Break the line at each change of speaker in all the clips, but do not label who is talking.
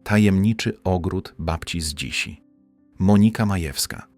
Tajemniczy ogród babci z Dzisi. Monika Majewska.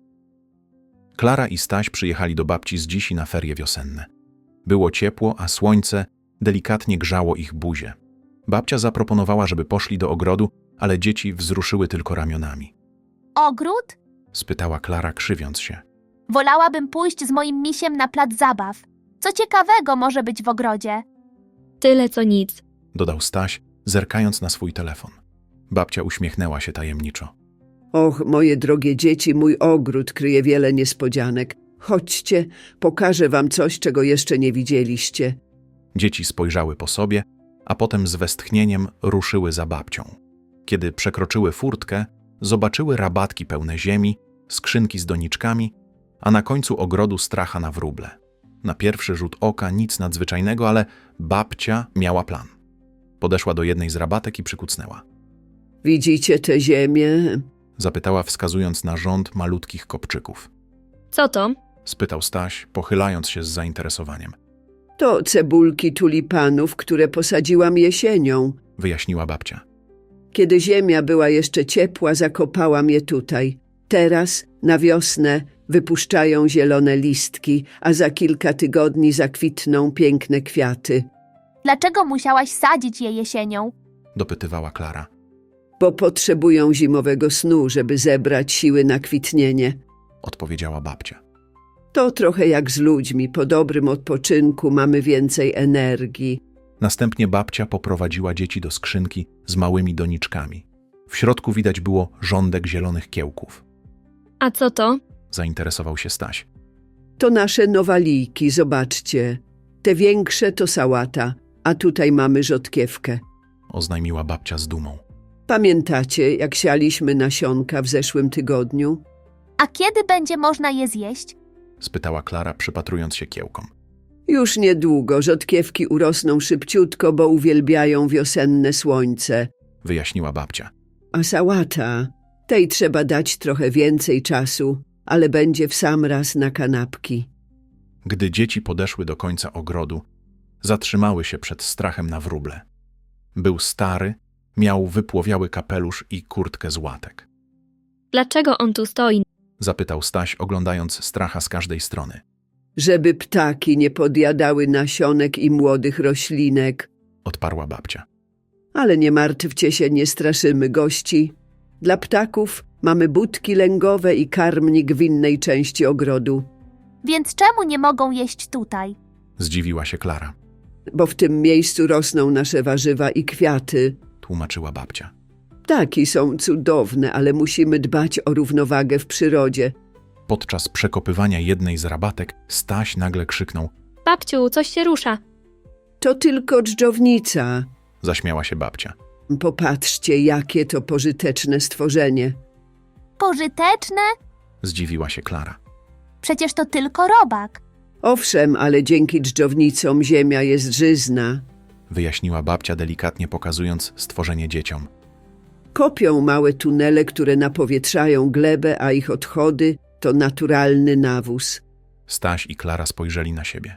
Klara i Staś przyjechali do babci z Dzisi na ferie wiosenne. Było ciepło, a słońce delikatnie grzało ich buzię. Babcia zaproponowała, żeby poszli do ogrodu, ale dzieci wzruszyły tylko ramionami.
Ogród?
Spytała Klara, krzywiąc się.
Wolałabym pójść z moim misiem na plac zabaw. Co ciekawego może być w ogrodzie?
Tyle co nic.
Dodał Staś, zerkając na swój telefon. Babcia uśmiechnęła się tajemniczo.
Och, moje drogie dzieci, mój ogród kryje wiele niespodzianek. Chodźcie, pokażę wam coś, czego jeszcze nie widzieliście.
Dzieci spojrzały po sobie, a potem z westchnieniem ruszyły za babcią. Kiedy przekroczyły furtkę, zobaczyły rabatki pełne ziemi, skrzynki z doniczkami, a na końcu ogrodu stracha na wróble. Na pierwszy rzut oka nic nadzwyczajnego, ale babcia miała plan. Podeszła do jednej z rabatek i przykucnęła.
Widzicie tę ziemię?
Zapytała, wskazując na rząd malutkich kopczyków.
Co to?
Spytał Staś, pochylając się z zainteresowaniem.
To cebulki tulipanów, które posadziłam jesienią.
Wyjaśniła babcia.
Kiedy ziemia była jeszcze ciepła, zakopałam je tutaj. Teraz, na wiosnę, wypuszczają zielone listki, a za kilka tygodni zakwitną piękne kwiaty.
Dlaczego musiałaś sadzić je jesienią?
Dopytywała Klara.
Bo potrzebują zimowego snu, żeby zebrać siły na kwitnienie.
Odpowiedziała babcia.
To trochę jak z ludźmi. Po dobrym odpoczynku mamy więcej energii.
Następnie babcia poprowadziła dzieci do skrzynki z małymi doniczkami. W środku widać było rządek zielonych kiełków.
A co to?
Zainteresował się Staś.
To nasze nowaliki, zobaczcie. Te większe to sałata, a tutaj mamy rzodkiewkę.
Oznajmiła babcia z dumą.
Pamiętacie, jak sialiśmy nasionka w zeszłym tygodniu?
A kiedy będzie można je zjeść?
Spytała Klara, przypatrując się kiełkom.
Już niedługo rzodkiewki urosną szybciutko, bo uwielbiają wiosenne słońce.
Wyjaśniła babcia.
A sałata, tej trzeba dać trochę więcej czasu, ale będzie w sam raz na kanapki.
Gdy dzieci podeszły do końca ogrodu, zatrzymały się przed strachem na wróble. Był stary, miał wypłowiały kapelusz i kurtkę z łatek.
Dlaczego on tu stoi?
Zapytał Staś, oglądając stracha z każdej strony.
Żeby ptaki nie podjadały nasionek i młodych roślinek.
Odparła babcia.
Ale nie martwcie się, nie straszymy gości. Dla ptaków mamy budki lęgowe i karmnik w innej części ogrodu.
Więc czemu nie mogą jeść tutaj?
Zdziwiła się Klara.
Bo w tym miejscu rosną nasze warzywa i kwiaty.
Tłumaczyła babcia.
Ptaki są cudowne, ale musimy dbać o równowagę w przyrodzie.
Podczas przekopywania jednej z rabatek Staś nagle krzyknął.
Babciu, coś się rusza.
To tylko dżdżownica.
Zaśmiała się babcia.
Popatrzcie, jakie to pożyteczne stworzenie.
Pożyteczne?
Zdziwiła się Klara.
Przecież to tylko robak.
Owszem, ale dzięki dżdżownicom ziemia jest żyzna.
Wyjaśniła babcia, delikatnie pokazując stworzenie dzieciom.
Kopią małe tunele, które napowietrzają glebę, a ich odchody to naturalny nawóz.
Staś i Klara spojrzeli na siebie.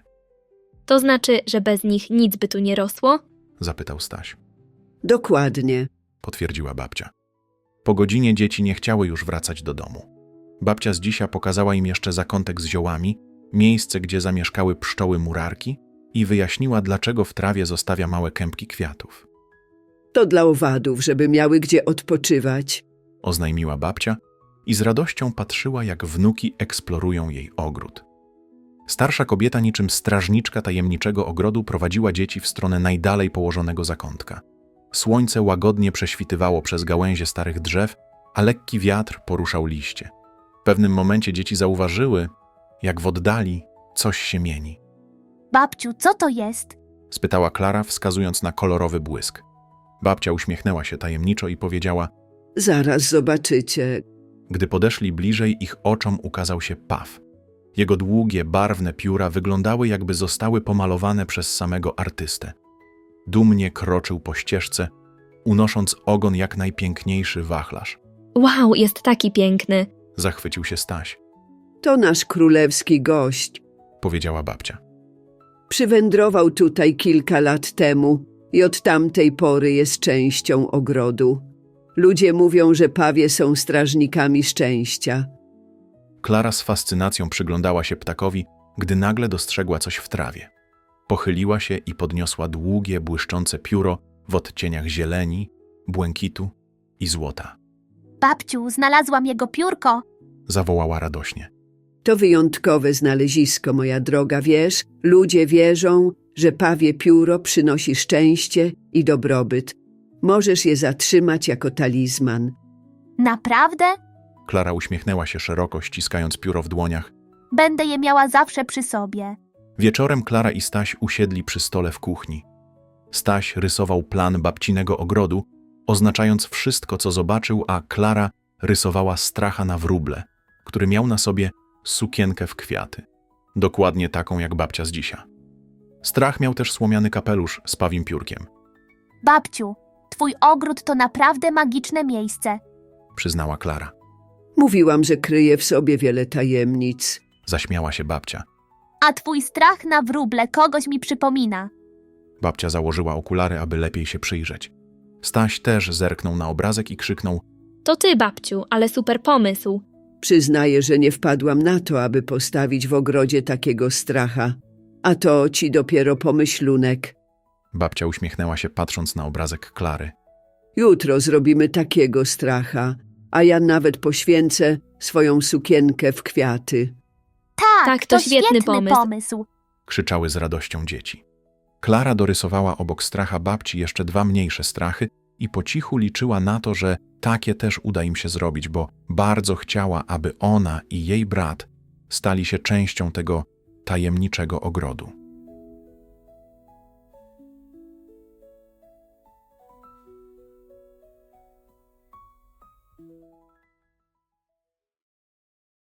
To znaczy, że bez nich nic by tu nie rosło?
Zapytał Staś.
Dokładnie.
Potwierdziła babcia. Po godzinie dzieci nie chciały już wracać do domu. Babcia z Dzisia pokazała im jeszcze zakątek z ziołami, miejsce, gdzie zamieszkały pszczoły murarki i wyjaśniła, dlaczego w trawie zostawia małe kępki kwiatów.
To dla owadów, żeby miały gdzie odpoczywać.
Oznajmiła babcia i z radością patrzyła, jak wnuki eksplorują jej ogród. Starsza kobieta niczym strażniczka tajemniczego ogrodu prowadziła dzieci w stronę najdalej położonego zakątka. Słońce łagodnie prześwitywało przez gałęzie starych drzew, a lekki wiatr poruszał liście. W pewnym momencie dzieci zauważyły, jak w oddali coś się mieni.
Babciu, co to jest?
Spytała Klara, wskazując na kolorowy błysk. Babcia uśmiechnęła się tajemniczo i powiedziała:
Zaraz zobaczycie.
Gdy podeszli bliżej, ich oczom ukazał się paw. Jego długie, barwne pióra wyglądały, jakby zostały pomalowane przez samego artystę. Dumnie kroczył po ścieżce, unosząc ogon jak najpiękniejszy wachlarz.
Wow, jest taki piękny.
Zachwycił się Staś.
To nasz królewski gość.
Powiedziała babcia.
Przywędrował tutaj kilka lat temu i od tamtej pory jest częścią ogrodu. Ludzie mówią, że pawie są strażnikami szczęścia.
Klara z fascynacją przyglądała się ptakowi, gdy nagle dostrzegła coś w trawie. Pochyliła się i podniosła długie, błyszczące pióro w odcieniach zieleni, błękitu i złota.
Babciu, znalazłam jego piórko.
Zawołała radośnie.
To wyjątkowe znalezisko, moja droga, wiesz? Ludzie wierzą, że pawie pióro przynosi szczęście i dobrobyt. Możesz je zatrzymać jako talizman.
Naprawdę?
Klara uśmiechnęła się szeroko, ściskając pióro w dłoniach.
Będę je miała zawsze przy sobie.
Wieczorem Klara i Staś usiedli przy stole w kuchni. Staś rysował plan babcinego ogrodu, oznaczając wszystko, co zobaczył, a Klara rysowała stracha na wróble, który miał na sobie sukienkę w kwiaty. Dokładnie taką jak babcia z dzisiaj. Strach miał też słomiany kapelusz z pawim piórkiem,
Babciu, twój ogród to naprawdę magiczne miejsce.
przyznała Klara.
Mówiłam, że kryje w sobie wiele tajemnic.
Zaśmiała się babcia.
A twój strach na wróble kogoś mi przypomina.
Babcia założyła okulary, aby lepiej się przyjrzeć. Staś też zerknął na obrazek i krzyknął:
To ty, babciu, ale super pomysł.
Przyznaję, że nie wpadłam na to, aby postawić w ogrodzie takiego stracha. A to ci dopiero pomyślunek.
Babcia uśmiechnęła się, patrząc na obrazek Klary.
Jutro zrobimy takiego stracha, a ja nawet poświęcę swoją sukienkę w kwiaty.
Tak, to świetny pomysł.
Krzyczały z radością dzieci. Klara dorysowała obok stracha babci jeszcze 2 mniejsze strachy i po cichu liczyła na to, że takie też uda im się zrobić, bo bardzo chciała, aby ona i jej brat stali się częścią tego tajemniczego ogrodu.